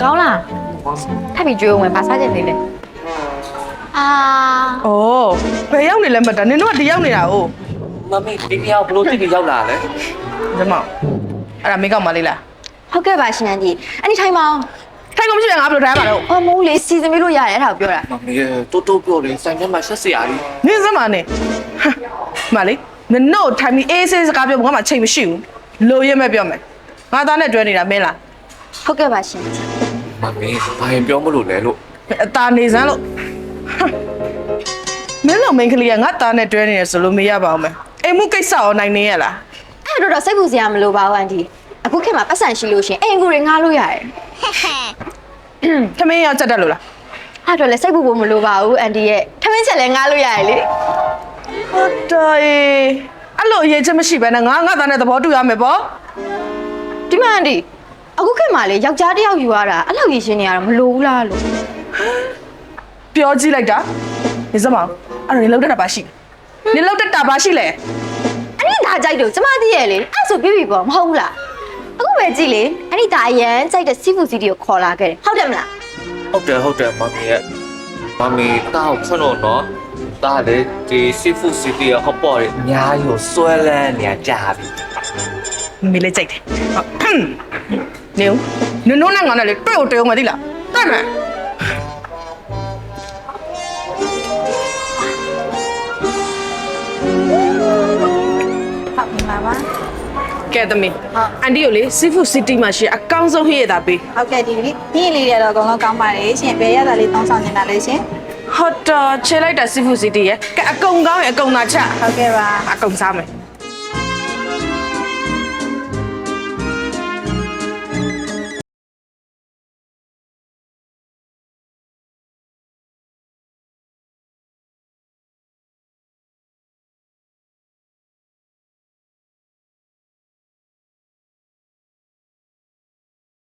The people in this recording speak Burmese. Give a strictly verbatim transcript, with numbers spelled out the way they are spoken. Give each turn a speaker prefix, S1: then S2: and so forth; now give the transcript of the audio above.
S1: ကောင်းလားထပ်ပြီးကြွေးဝင်ပါစားချင်နေလေအာ
S2: ။အော်ဘယ်ရောက်နေလဲမတာနင်တို့ကဒီရောက်နေတာ哦
S3: မမေဒီမြောက်ဘလို့တိတိရောက်လာလဲ
S2: ။ဒီမောင်အဲ့ဒါမိကောက်မလေးလား
S1: ဟုတ်ကဲ့ပါရှင်အန်တီအဲ့ဒီထိုင်မအောင်
S2: ။ထိုင်ကုန်မရှိရင်ငါဘယ်လိုထိုင်ရမှာလဲ
S1: အော်မိုးလေးစီစဉ်ပြီးလို့ရတယ်အဲ့ဒါကိုပြောတာ
S3: မမေတိုးတိုးပြောတယ်ဆိုင်ထဲမှာဆက်စရာကြီး
S2: ။နင်စမ်းမနဲ့။မလေးနင်တို့ထိုင်ပြီးအေးဆေးစကားပြောဖို့ငါမှချိန်မရှိဘူး။လိုရဲမဲ့ပြောမယ်။ငါသားနဲ့တွဲနေတာမင်းလား
S1: ဟုတ်ကဲ့ပါရှင်
S3: မမေဘာရင်ပြောမလို့လဲလို့
S2: ။အตาနေစမ်းလို့မင်းတို့မိန်းကလေးကငါသားနဲ့တွဲနေရဆိုလို့မရပါဘူးမယ်။အိမ်မှုကိစ္စရောနိုင်နေရလား
S1: အဲ့တော့တော့စိတ်ပူစရာမလိုပါဘူးအန်တီအခုခေတ်မှာပတ်စံရှိလို့ရှင်အိမ်ကူတွေငားလို့ရတယ်
S2: ။ထမင်းရောက်ချက်တက်လို့လား
S1: အဲ့တော့လည်းစိတ်ပူဖို့မလိုပါဘူးအန်တီရဲ့ထမင်းချက်လည်းငားလို့ရတယ်လေ
S2: ။ဟုတ်တယ်။အဲ့လိုအရေးချက်မရှိဘဲနဲ့ငါငါသားနဲ့သဘောတူရမယ်ပေါ့
S1: ဒီမှာအန်တီအခုခေတ်မှာလေယောက်ျားတစ်ယောက်ယူရတာအဲ့လောက်ရည်ရှင်နေရတာမလိုဘူးလားလို့
S2: ။ပြောကြည့်လိုက်တာ။နေစမ်းမအောင်။အဲ့တော့နေလောက်တတ်တာပါရှိ။နေလောက်တတ်တာပါရှိလေ
S1: အဲ့ဒီဒါကြိုက်တော့ကျမသိရဲ့လေအဲ့ဆိုပြပြပေါ့မဟုတ်ဘူးလားအခုပဲကြည့်လေအဲ့ဒီဒါအရန်ကြိုက်တဲ့စီဖူစီတီကိုခေါ်လာခဲ့တယ်ဟုတ်တယ်မလား
S3: ဟုတ်တယ်ဟုတ်တယ်မမေရဲ့မမေတောက်ခွန်းတော့နော်ဒါလေဒီစီဖူစီတီဟောပေါ်ရအများကြီးကိုဆွဲလန်းနေကြပြီ
S2: ။မေလေးကြိုက်တယ်။နေဦးနင်တို့နဲ့ငါနဲ့လေတွေ့ကိုတွေ့အောင်မသိလား။တွေ့မယ်။
S1: ဟုတ်ပါပါ
S2: ကဲသမီးအန်တီကိုလေစီဖူစီတီမှာရှိအကောင်းဆုံးဟိရတာပေး
S4: ဟုတ်ကဲ့ဒီနေ့နေ့လေးတွေတော့အကုန်လုံးကောင်းပါတယ်ရှင်ဘယ်ရတာလေးတောင်းဆောင်နေတာလဲရှင်
S2: ဟုတ်တော့ချေလိုက်တာစီဖူစီတီရဲ့ကဲအကုန်ကောင်းရင်အကုန်သာချ
S4: ဟုတ်ကဲ့ပါ
S2: အကုန်စားမယ်